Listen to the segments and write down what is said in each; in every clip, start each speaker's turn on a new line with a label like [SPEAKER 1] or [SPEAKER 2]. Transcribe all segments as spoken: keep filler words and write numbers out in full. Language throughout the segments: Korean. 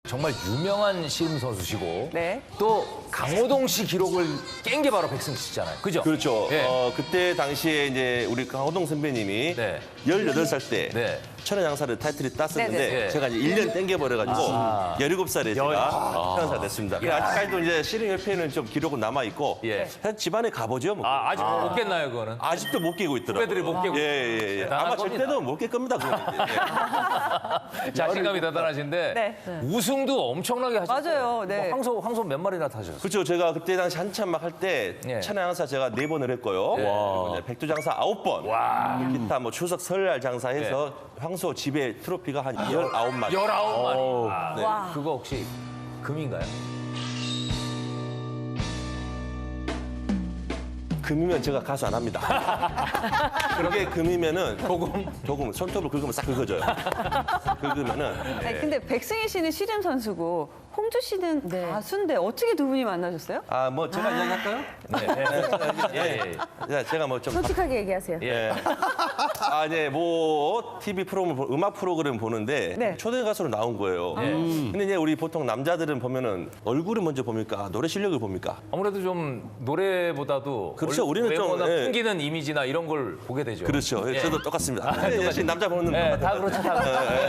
[SPEAKER 1] 정말 유명한 씨름 선수시고
[SPEAKER 2] 네.
[SPEAKER 1] 또 강호동 씨 기록을 깬 게 바로 백승 씨잖아요. 그죠?
[SPEAKER 3] 그렇죠.
[SPEAKER 1] 예.
[SPEAKER 3] 어, 그때 당시에 이제 우리 강호동 선배님이
[SPEAKER 1] 네.
[SPEAKER 3] 열여덟 살 때
[SPEAKER 1] 네.
[SPEAKER 3] 천하장사를 타이틀을 땄었는데
[SPEAKER 2] 네,
[SPEAKER 1] 네.
[SPEAKER 3] 제가 이제 일 년 땡겨버려가지고
[SPEAKER 1] 아.
[SPEAKER 3] 열일곱 살에 제가
[SPEAKER 1] 아.
[SPEAKER 3] 천하장사 됐습니다.
[SPEAKER 1] 야.
[SPEAKER 3] 아직까지도 이제 씨름협회는 좀 기록은 남아있고
[SPEAKER 1] 예.
[SPEAKER 3] 사실 집안에 가보죠. 뭐.
[SPEAKER 1] 아, 아직 못 깼나요, 그거는?
[SPEAKER 3] 아직도 못 깨고 있더라고요.
[SPEAKER 1] 후배들이 못 깨고
[SPEAKER 3] 예, 예, 예.
[SPEAKER 1] 대단한
[SPEAKER 3] 아마
[SPEAKER 1] 겁니다.
[SPEAKER 3] 절대로 못 깰 겁니다. 그거는. 예.
[SPEAKER 1] 자신감이 대단하신데
[SPEAKER 2] 네.
[SPEAKER 1] 우승도 엄청나게 하셨어요.
[SPEAKER 2] 맞아요. 네.
[SPEAKER 1] 뭐 황소, 황소 몇 마리나 타셨어요?
[SPEAKER 3] 그렇죠. 제가 그때 당시 한참 막 할 때
[SPEAKER 1] 예.
[SPEAKER 3] 천하장사 제가 네 번을 했고요. 그리고 이제 백두장사 아홉 번.
[SPEAKER 1] 와.
[SPEAKER 3] 기타 뭐 추석 설날 장사해서 황소 집에 트로피가 한 열아홉 마리.
[SPEAKER 1] 열아홉 마리. 아, 네.
[SPEAKER 2] 와.
[SPEAKER 1] 그거 혹시 금인가요?
[SPEAKER 3] 금이면 제가 가수 안 합니다. 그게 금이면은
[SPEAKER 1] 조금?
[SPEAKER 3] 조금 손톱을 긁으면 싹 긁어져요. 긁으면은
[SPEAKER 2] 아니, 근데 백승희 씨는 씨름 선수고 홍주 씨는 가수인데 어떻게 두 분이 만나셨어요?
[SPEAKER 3] 아 뭐 제가 이야기할까요?
[SPEAKER 1] 네. 예, 예, 예.
[SPEAKER 3] 예, 제가 뭐 좀
[SPEAKER 4] 솔직하게 얘기하세요.
[SPEAKER 3] 예. 아, 네, 뭐, 티비 프로그램, 보- 음악 프로그램 보는데
[SPEAKER 2] 네.
[SPEAKER 3] 초대 가수로 나온 거예요.
[SPEAKER 1] 예.
[SPEAKER 3] 근데 이제 우리 보통 남자들은 보면은 얼굴을 먼저 봅니까? 노래 실력을 봅니까?
[SPEAKER 1] 아무래도 좀 노래보다도
[SPEAKER 3] 그렇죠.
[SPEAKER 1] 얼-
[SPEAKER 3] 우리는 좀,
[SPEAKER 1] 외모나
[SPEAKER 3] 예.
[SPEAKER 1] 풍기는 이미지나 이런 걸 보게 되죠.
[SPEAKER 3] 그렇죠. 예,
[SPEAKER 1] 예.
[SPEAKER 3] 저도 똑같습니다. 근데 역시 남자 보는
[SPEAKER 1] 예,
[SPEAKER 3] 것
[SPEAKER 1] 다
[SPEAKER 3] 같아요.
[SPEAKER 1] 그렇죠, 다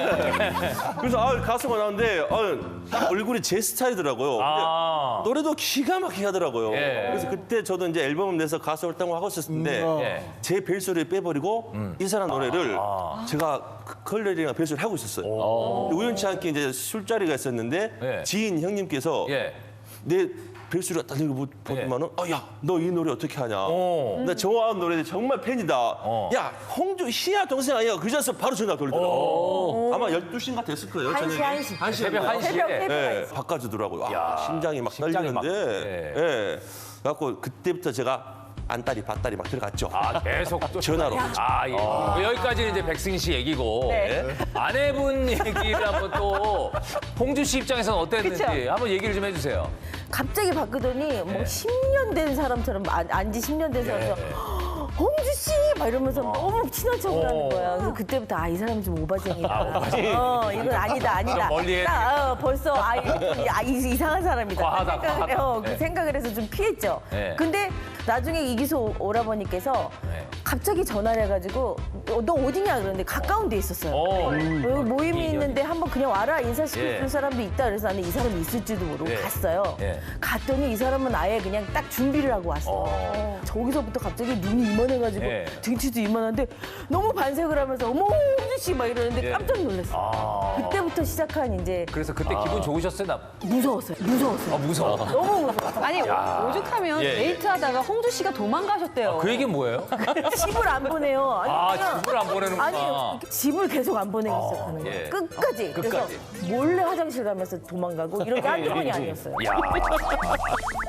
[SPEAKER 1] 그렇죠.
[SPEAKER 3] 그래서 아, 가수가 나오는데 아, 딱 얼굴이 제 스타일이더라고요. 근데
[SPEAKER 1] 아.
[SPEAKER 3] 노래도 기가 막히게 하더라고요.
[SPEAKER 1] 예.
[SPEAKER 3] 그래서 그때 저도 이제 앨범을 내서 가수 활동을 하고 있었는데
[SPEAKER 1] 예.
[SPEAKER 3] 제 벨소리를 빼버리고 이 사람 노래를 제가 컬러링이랑 벨소리를 하고 있었어요. 우연치 않게 이제 술자리가 있었는데
[SPEAKER 1] 예.
[SPEAKER 3] 지인 형님께서
[SPEAKER 1] 예.
[SPEAKER 3] 내 벨소리가 딱 이거 보더만은 아, 야, 너 이 노래 어떻게 하냐.
[SPEAKER 1] 어.
[SPEAKER 3] 나 좋아하는 노래 정말 팬이다.
[SPEAKER 1] 어.
[SPEAKER 3] 야, 홍주 희야 동생 아니야. 그래서 바로 전화 돌리더라고. 아마 열두 시인가 됐을 거예요.
[SPEAKER 4] 한 시,
[SPEAKER 3] 저녁에.
[SPEAKER 4] 한 시.
[SPEAKER 3] 한 시.
[SPEAKER 1] 새벽 한 시에.
[SPEAKER 4] 새벽, 새벽.
[SPEAKER 3] 예, 바꿔주더라고요. 와, 심장이 막
[SPEAKER 1] 심장이 막,
[SPEAKER 3] 떨리는데. 예. 그래갖고 그때부터 제가 안달이 밭달이 막 들어갔죠.
[SPEAKER 1] 아, 계속 또
[SPEAKER 3] 전화로.
[SPEAKER 1] 아, 예. 뭐 여기까지는 이제 백승희 씨 얘기고
[SPEAKER 2] 네.
[SPEAKER 1] 아내분 얘기를 한번 또 홍주 씨 입장에서는 어땠는지
[SPEAKER 2] 그쵸?
[SPEAKER 1] 한번 얘기를 좀 해주세요.
[SPEAKER 4] 갑자기 바꾸더니 뭐 십 년 된 사람처럼 안- 안지 십 년 된 사람처럼 홍주 씨! 막 이러면서 너무 친한 척을
[SPEAKER 1] 어.
[SPEAKER 4] 하는 거야. 그래서 그때부터 아, 이 사람 좀 오바쟁이다.
[SPEAKER 1] 아, 오바쟁이.
[SPEAKER 4] 어, 이건 아니다, 아니다.
[SPEAKER 1] 좀 멀리 해야
[SPEAKER 4] 딱, 어, 벌써 아, 이- 아, 이- 이상한 사람이다.
[SPEAKER 1] 과하다,
[SPEAKER 4] 그 생각을,
[SPEAKER 1] 과하다.
[SPEAKER 4] 어, 그
[SPEAKER 1] 네.
[SPEAKER 4] 생각을 해서 좀 피했죠.
[SPEAKER 1] 네.
[SPEAKER 4] 근데 나중에 이기수 오라버니께서
[SPEAKER 1] 네.
[SPEAKER 4] 갑자기 전화를 해가지고 어, 너 어디냐 그러는데 가까운 데 있었어요.
[SPEAKER 1] 어.
[SPEAKER 4] 여기 모임이
[SPEAKER 1] 인연이.
[SPEAKER 4] 있는데 한번 그냥 와라 인사시켜줄
[SPEAKER 1] 예.
[SPEAKER 4] 사람도 있다 그래서 나는 이 사람이 있을지도 모르고
[SPEAKER 1] 예.
[SPEAKER 4] 갔어요.
[SPEAKER 1] 예.
[SPEAKER 4] 갔더니 이 사람은 아예 그냥 딱 준비를 하고 왔어.
[SPEAKER 1] 어.
[SPEAKER 4] 저기서부터 갑자기 눈이 이만해가지고
[SPEAKER 1] 예.
[SPEAKER 4] 등치도 이만한데 너무 반색을 하면서 어머 홍주 씨 막 이러는데
[SPEAKER 1] 예.
[SPEAKER 4] 깜짝 놀랐어.
[SPEAKER 1] 아.
[SPEAKER 4] 그때부터 시작한 이제
[SPEAKER 1] 그래서 그때 기분 좋으셨어요? 나?
[SPEAKER 4] 무서웠어요. 무서웠어요.
[SPEAKER 1] 아, 무서워.
[SPEAKER 4] 너무 무서웠어.
[SPEAKER 2] 아니 오죽하면
[SPEAKER 1] 예, 예.
[SPEAKER 2] 데이트하다가 홍주 씨가 도망가셨대요.
[SPEAKER 1] 그 얘기는 뭐예요?
[SPEAKER 4] 집을 안 보내요. 아니,
[SPEAKER 1] 아,
[SPEAKER 4] 그냥-
[SPEAKER 1] 집을 안 보내는구나.
[SPEAKER 4] 아니 집을 계속 안 보내기 시작하는 거예요.
[SPEAKER 1] 예.
[SPEAKER 4] 끝까지.
[SPEAKER 1] 끝까지.
[SPEAKER 4] 그래서 몰래 화장실 가면서 도망가고 이런 게 한두 번이 아니었어요.
[SPEAKER 1] 야.